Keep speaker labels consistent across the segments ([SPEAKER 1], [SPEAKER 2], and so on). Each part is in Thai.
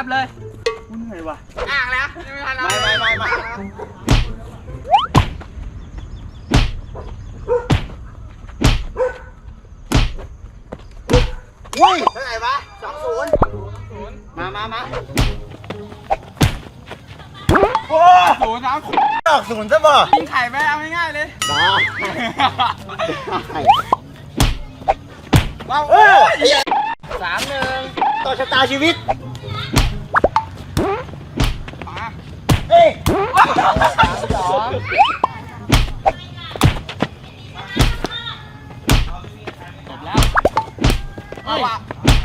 [SPEAKER 1] บเลย
[SPEAKER 2] คุณเหนื่อยว่ะ
[SPEAKER 1] อ่างแล้วไม่ทันแล้ว
[SPEAKER 2] ไม่อุ้ยเท่าไหร่วะ2-0มาโอ้
[SPEAKER 1] 0-3
[SPEAKER 2] ดอก0ซะบ่
[SPEAKER 1] ยิงไข่ไปเอาง่ายๆเลย
[SPEAKER 2] ว้าว3-1ต่อชะตาชีวิต
[SPEAKER 1] มา
[SPEAKER 2] เอ้ย
[SPEAKER 1] 3-2จบแล้วเอาว่ะ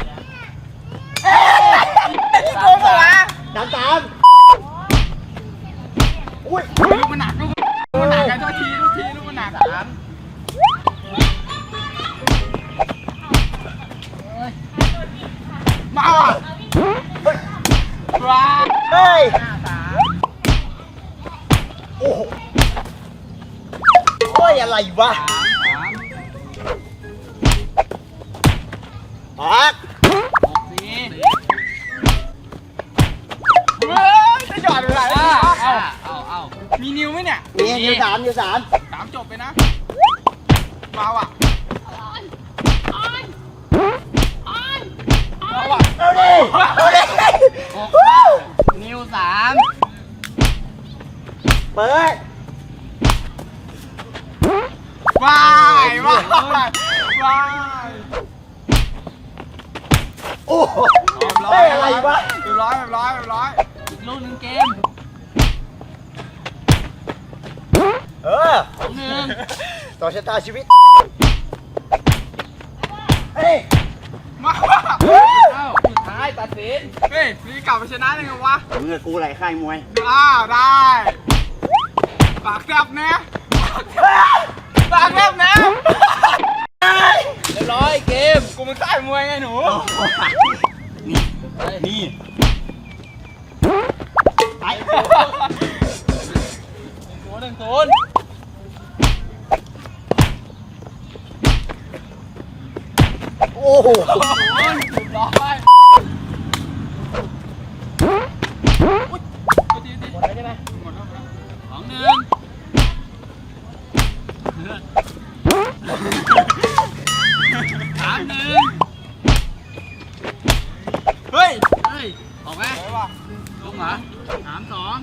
[SPEAKER 1] โกงเหรอ
[SPEAKER 2] 3-3อุ้ย
[SPEAKER 1] ลูกมันหนักลูกมันหนักกันทุกทีลูกมันหนักมาว่ะว้า
[SPEAKER 2] เฮ้ยโอ้โหโอ้ยอะไรวะปัก
[SPEAKER 1] จะหยอดอะไรเอามีนิ้วไหมเนี่ย
[SPEAKER 2] มีนิ้วสาม
[SPEAKER 1] 3จบไปนะมาว่ะมาว่ะ
[SPEAKER 2] เอาดิ
[SPEAKER 1] นิ้ว
[SPEAKER 2] เปิด
[SPEAKER 1] ว้าย
[SPEAKER 2] โอ้โหเฮ้ยอะไรวะ
[SPEAKER 1] เรียบร้อยอีกลูกหนึ่งเกม
[SPEAKER 2] ต่อชะตาชีวิตเฮ้ย
[SPEAKER 1] มาสุดท้ายตัดสินเฮ้ยนี่กลับมาชนะได้ไงวะ
[SPEAKER 2] มือกูไหลค่ายมวย
[SPEAKER 1] ได้ปากแซบนะปากแซบนะเรียบร้อยเกมกูมันค่ายมวยไงหนู
[SPEAKER 2] นี่ไป
[SPEAKER 1] 1-0
[SPEAKER 2] โอ้โห
[SPEAKER 1] เรียบร้อยหมดแล้วใช่ไหมหมดแล้ว2-1 3-1เฮ้ยออกไหมลงเหรอ3-2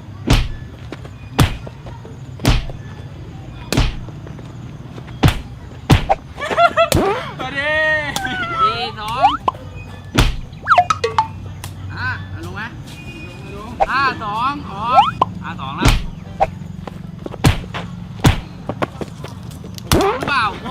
[SPEAKER 1] สวัสดี4-2ลงไหม5-2ออก5-2แล้วเปล่า6-2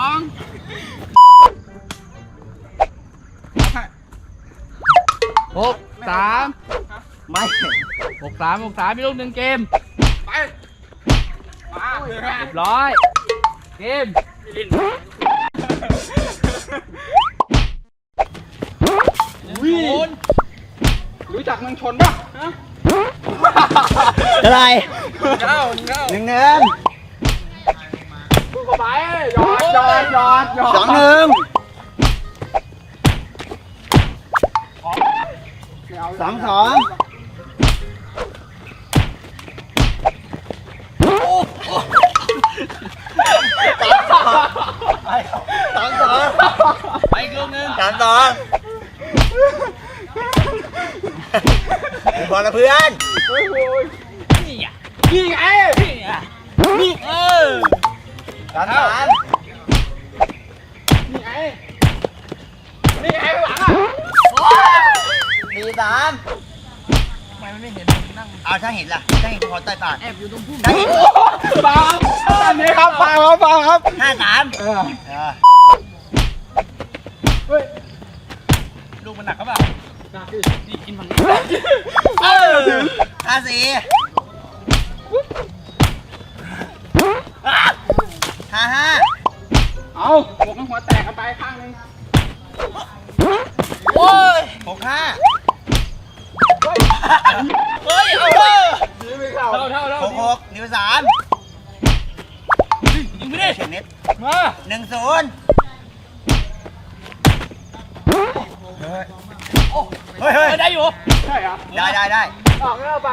[SPEAKER 2] ไม่
[SPEAKER 1] 6-3มีลูกหนึ่งเกมไปมาเรียบร้อยเกมรู้จักเมืองชนป่ะฮะ
[SPEAKER 2] อะไร
[SPEAKER 1] เก้า
[SPEAKER 2] 1-1
[SPEAKER 1] เข้าไปหยอด
[SPEAKER 2] 2-1 3-2
[SPEAKER 1] ไปอีกลูกนึง
[SPEAKER 2] 3-2บอลนะเพื่อน
[SPEAKER 1] นี่ไงนี่3-3นี่ไงหลังอ่ะ
[SPEAKER 2] 4-3
[SPEAKER 1] ทำไมมันไม่เห็นนั่ง
[SPEAKER 2] เอาถ้าเห็นล่ะถ้าเห็นพอใต้ปาก
[SPEAKER 1] แอบอยู่ตรงพุ่ม
[SPEAKER 2] ถ้าเห็น
[SPEAKER 1] ฟังอันนี้ครับฟังครับ
[SPEAKER 2] 5-3
[SPEAKER 1] เฮ้ยลูกมันหนักครับเปล่าหนักดินี่กินฝั่งนี้
[SPEAKER 2] 5-4 5-5
[SPEAKER 1] เอาบวกกันหัวแตกกันไปข้างนึง
[SPEAKER 2] โอ้ย6-5เฮ้ย
[SPEAKER 1] เท่า
[SPEAKER 2] 6-6นิ้ว3
[SPEAKER 1] ยิงไม่ได้
[SPEAKER 2] เฉียงนิด
[SPEAKER 1] มา
[SPEAKER 2] 1-0 เฮ้ยเฮ้ย
[SPEAKER 3] ได้อยู่
[SPEAKER 1] ใช่เหรอ
[SPEAKER 2] ได้
[SPEAKER 1] ออกแล้วไป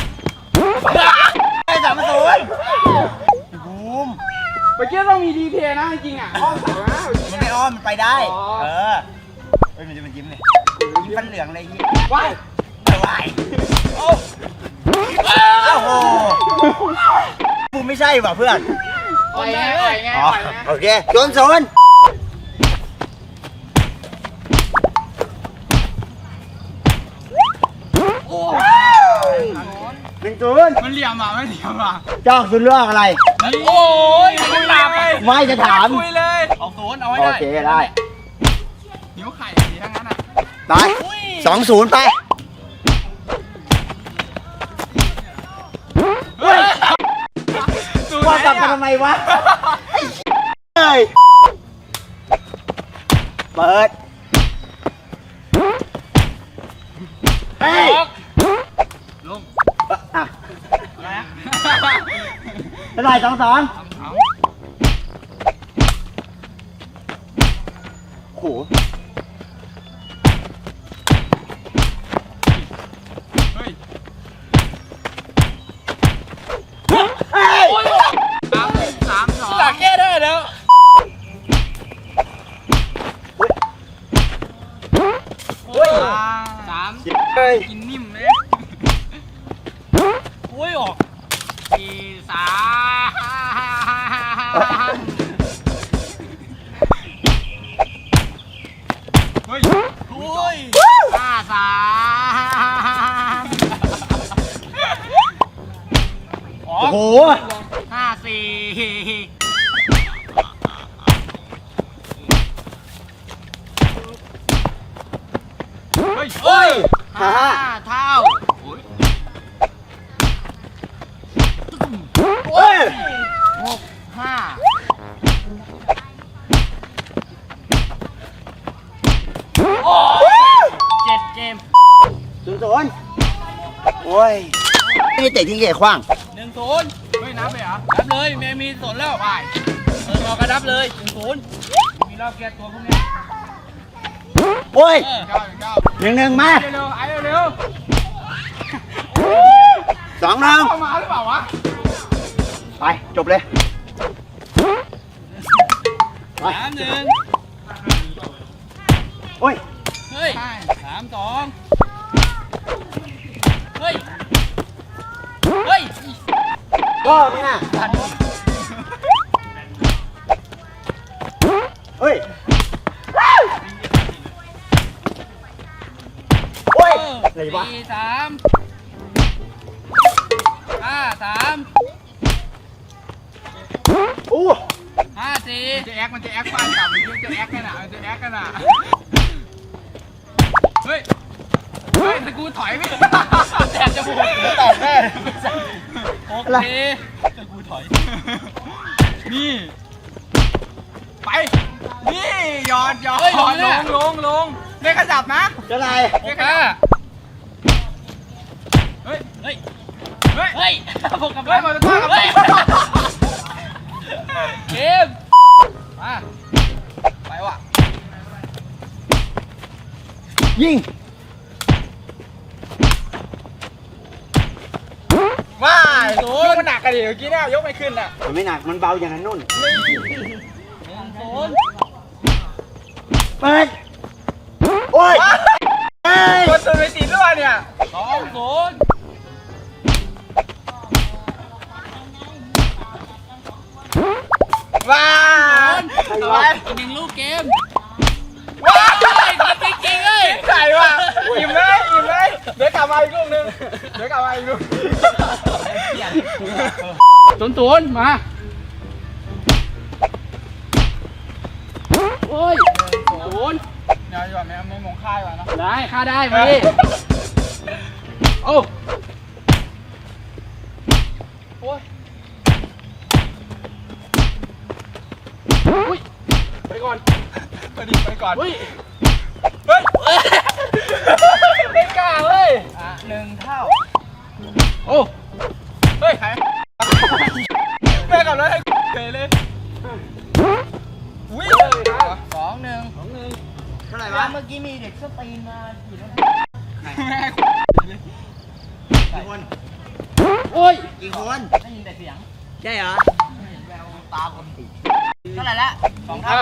[SPEAKER 2] ไอ้3-0บูม
[SPEAKER 1] เมื่อกี้ต้องมีดีเพย์นะจริงๆอ่ะอ้อมเสานะ
[SPEAKER 2] มันไม่อ้อมมันไปได้
[SPEAKER 1] อ๋อ
[SPEAKER 2] เออเฮ้ยมันจะเป็นยิ้มเลยยิ้มฟันเหลืองเลยยิ้ม
[SPEAKER 1] ว้าย
[SPEAKER 2] อะไรโอ้โหบูมไม่ใช่ป่ะเพื่อน
[SPEAKER 1] อ่อยไงอ่อยไง
[SPEAKER 2] อ๋อ
[SPEAKER 1] อ่อยไง
[SPEAKER 2] โอเค0-01-0
[SPEAKER 1] มันเหลี่ยมอ่ะไม่เหลี่ยมอ่ะ
[SPEAKER 2] จอกคุณเลือกอะไร
[SPEAKER 3] โอ้ยมันหลับ
[SPEAKER 2] ไม่จะถาม
[SPEAKER 1] คุยเลย
[SPEAKER 3] เอาศูนย์เอาไว้
[SPEAKER 2] โอ
[SPEAKER 3] ได้
[SPEAKER 2] เคได้
[SPEAKER 1] หิวไข่ดีทั้งนั้นอ่ะ
[SPEAKER 2] ไป2-0ไป
[SPEAKER 1] เฮ้ยสูตร
[SPEAKER 2] ว่า
[SPEAKER 1] ไหน
[SPEAKER 2] กลับมา
[SPEAKER 1] อ่ะ
[SPEAKER 2] ทำไมวะเฮ้ยเปิดเฮ้ย
[SPEAKER 1] ลง
[SPEAKER 2] อ่ะ
[SPEAKER 1] อะไรอ่ะ
[SPEAKER 2] เท่าไหร่2-2โอ้โห
[SPEAKER 1] เฮ้ย
[SPEAKER 2] เฮ้ย
[SPEAKER 1] 3-2
[SPEAKER 3] หลักแก้ได้แล้ว
[SPEAKER 1] เฮ้ย
[SPEAKER 2] เฮ้ย
[SPEAKER 1] กินนิ่มเลย
[SPEAKER 3] โอ้ยออก
[SPEAKER 1] 3เฮ้ย
[SPEAKER 3] โอ้ย
[SPEAKER 1] 5-3
[SPEAKER 3] ออ
[SPEAKER 2] โอ้
[SPEAKER 3] ก
[SPEAKER 2] โห
[SPEAKER 1] 5-4 เฮ้ย
[SPEAKER 3] เฮ้ย
[SPEAKER 2] ห้า
[SPEAKER 1] เท่า
[SPEAKER 2] เฮ้ย
[SPEAKER 1] 5
[SPEAKER 3] 7 เกม
[SPEAKER 2] 0-0โอ้ยนี่เตะทิ้งเกะขว้าง
[SPEAKER 3] 1-0
[SPEAKER 1] เฮ้ยนับเลยเหรอ
[SPEAKER 3] นับเลยแม่มีสนแล้ว
[SPEAKER 1] ไป
[SPEAKER 3] รอกระดับเลย1-0มีรอบแก้ตัวพวกนี้
[SPEAKER 2] โอ้ย
[SPEAKER 1] เก้าเก้า
[SPEAKER 2] 1-1มา
[SPEAKER 1] เร็วๆไอ้เร็ว
[SPEAKER 2] 2-1
[SPEAKER 1] ๆเข้ามาหรือเปล่าวะ
[SPEAKER 2] ไปจบเลยไป
[SPEAKER 3] 3-1
[SPEAKER 2] โอ้ย
[SPEAKER 3] เฮ้ย
[SPEAKER 1] ใช่
[SPEAKER 3] 3-2 เฮ้ย เฮ้ย
[SPEAKER 2] ก็ไม่น่าเฮ้ยโอ้ยอะไรวะ
[SPEAKER 3] 4-3 5-3
[SPEAKER 2] อู้
[SPEAKER 3] 5-4
[SPEAKER 1] จะแอคมันจะแอคฟันกลับมันจะแอคกันอ่ะมันจะแอคกันอ่ะเฮ้ยเฮ้ยแต่กูถอยไม่ได้แตกจมูก
[SPEAKER 2] แตกแน่
[SPEAKER 3] โอเคแต่กูถอย
[SPEAKER 1] นี่ไปนี่หยอดหยอด
[SPEAKER 3] เฮ้ยลงเนี่ย
[SPEAKER 1] ลงไม่ขยับนะ
[SPEAKER 2] จะไร
[SPEAKER 3] โอเค
[SPEAKER 1] เฮ้ย
[SPEAKER 3] เฮ้ย
[SPEAKER 1] เฮ้ย
[SPEAKER 3] เฮ้ยพวกกับ
[SPEAKER 1] เฮ้ยมันจะฆ่ากับ
[SPEAKER 3] เฮ้ยเกม
[SPEAKER 1] มาไปว่ะ
[SPEAKER 2] ยิง
[SPEAKER 1] ว้ายยกมันหนักกันดิเมื่อกี้เนี่ยยกไม่ขึ้นอ่ะ
[SPEAKER 2] มันไม่หนักมันเบาอย่างนั้นนุ่น
[SPEAKER 3] 1-0
[SPEAKER 2] เปิดโอ้ยเฮ้ย
[SPEAKER 1] คนตื่นไปติดด้วยเนี่ย
[SPEAKER 3] 2-0
[SPEAKER 1] ว้า
[SPEAKER 2] ใครวะ
[SPEAKER 3] อีก1ลูกเกม
[SPEAKER 1] ว้า
[SPEAKER 3] เฮ้ยจริงๆเลย
[SPEAKER 1] ไก่ว่ะอิ่มเลยอิ่มเลยเดี๋ยวกลับมาอีกลูกนึงเดี๋ยวกลับมาอีกลูก
[SPEAKER 3] 0-0มาโอ้ย0
[SPEAKER 1] เดี๋ยวก่อนไม่มงค่ายว่ะนะ
[SPEAKER 3] ได้ค่าได้มาดิโอ้โอ้ยอุ้ยไปก่อน
[SPEAKER 1] ไปก่อน
[SPEAKER 3] อุ้ย
[SPEAKER 1] เฮ้ย
[SPEAKER 3] ไม่กล้าเว้ย
[SPEAKER 1] 1 เท่า
[SPEAKER 3] โอ้
[SPEAKER 1] เฮ้ยใครแม่กับรถให้เฉยเลยอุ้ย
[SPEAKER 3] 2-1
[SPEAKER 2] เท่าไหร่
[SPEAKER 3] แล้ว
[SPEAKER 2] วะ
[SPEAKER 3] เมื่อ
[SPEAKER 2] กี้มีเด็กสตีนมากี่แล้ว กี่คน
[SPEAKER 3] โอ้ย
[SPEAKER 2] กี่คน
[SPEAKER 3] ได้ยินแต่เสียง
[SPEAKER 2] ใช่เหรอ
[SPEAKER 3] แววตาคนติด
[SPEAKER 2] เท่าไหร่ละ
[SPEAKER 3] 2 เท่า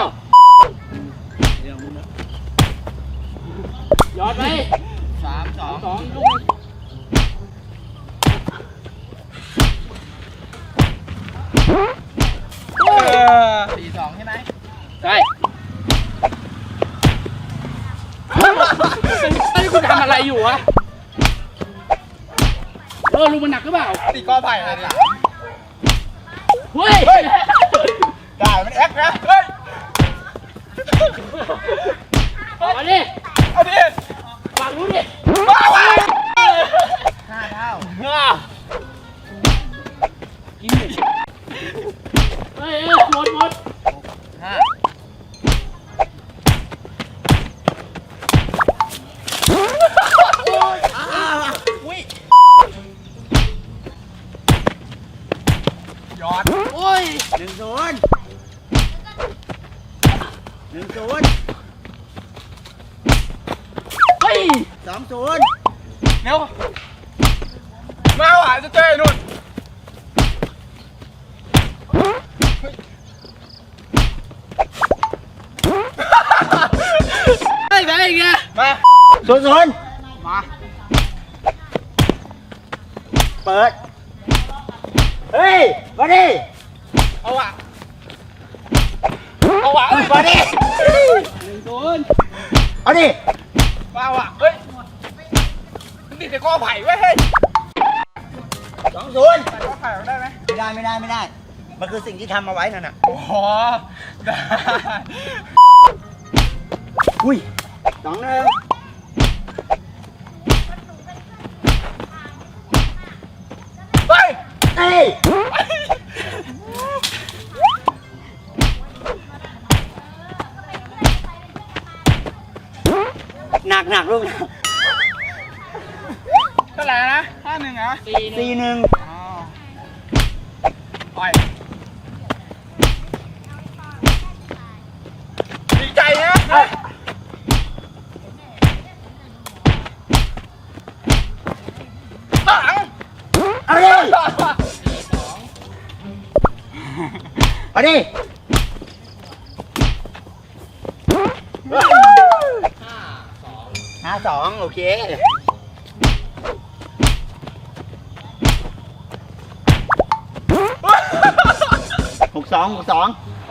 [SPEAKER 3] ย้อนไป3-2ลูก 4-2ใช่ไหมใช่เฮ้ยคุณทำอะไรอยู่วะลุงมันหนักหรือเปล่า
[SPEAKER 1] ตีกอไผ่อะไรเนี่ย
[SPEAKER 3] เฮ้ย
[SPEAKER 1] ได้มันแอคนะเฮ้ย
[SPEAKER 3] เอาดิ
[SPEAKER 1] เอาดิ
[SPEAKER 3] ฝั่งนู้นดิ
[SPEAKER 1] มาว่ะ
[SPEAKER 2] 5 เท่า
[SPEAKER 3] กินดิเฮ้ยหมด
[SPEAKER 1] ย้อน
[SPEAKER 3] โอ้ย
[SPEAKER 2] 1-0 1-0
[SPEAKER 3] เฮ้ย
[SPEAKER 2] 2-0
[SPEAKER 1] เร็วมาว่ะจะเจอไอ้นุ่น
[SPEAKER 3] เฮ้ยแพ้อีกไง
[SPEAKER 1] มา
[SPEAKER 2] 0-0
[SPEAKER 1] มา
[SPEAKER 2] เปิด เฮ้ย มาดิ
[SPEAKER 1] เอาว่ะเอาว่ะเอ้ย
[SPEAKER 2] มาดิ
[SPEAKER 3] 1-0
[SPEAKER 2] เอาดิ
[SPEAKER 1] มาว่ะเฮ้ยมันติดแต่กอไผ่ไว้ยเฮ้ย
[SPEAKER 2] 2-0
[SPEAKER 1] แต่กอไผ่ได้ไหม
[SPEAKER 2] ไม่ได้ มันคือสิ่งที่ทำเอาไว้นั่นน่ะ
[SPEAKER 1] โอ้โหได้
[SPEAKER 2] อุ้ย 2-1
[SPEAKER 1] เฮ้ย
[SPEAKER 2] เอ้ย หนักลูกนะ
[SPEAKER 1] เท่าไหร่นะ5-1เหรอ
[SPEAKER 2] 4-1
[SPEAKER 1] อ๋อไปดีใจนะหลัง
[SPEAKER 2] เอาดิ เอาดิ 5-2 โอเค 6-2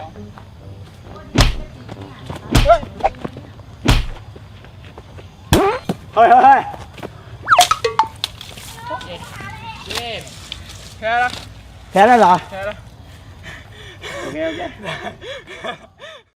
[SPEAKER 1] เฮ้ย
[SPEAKER 2] เฮ้ย
[SPEAKER 3] เย้
[SPEAKER 1] แค่ละ
[SPEAKER 2] แพ้แล้วเหรอ
[SPEAKER 1] แค่ละ
[SPEAKER 2] โอเค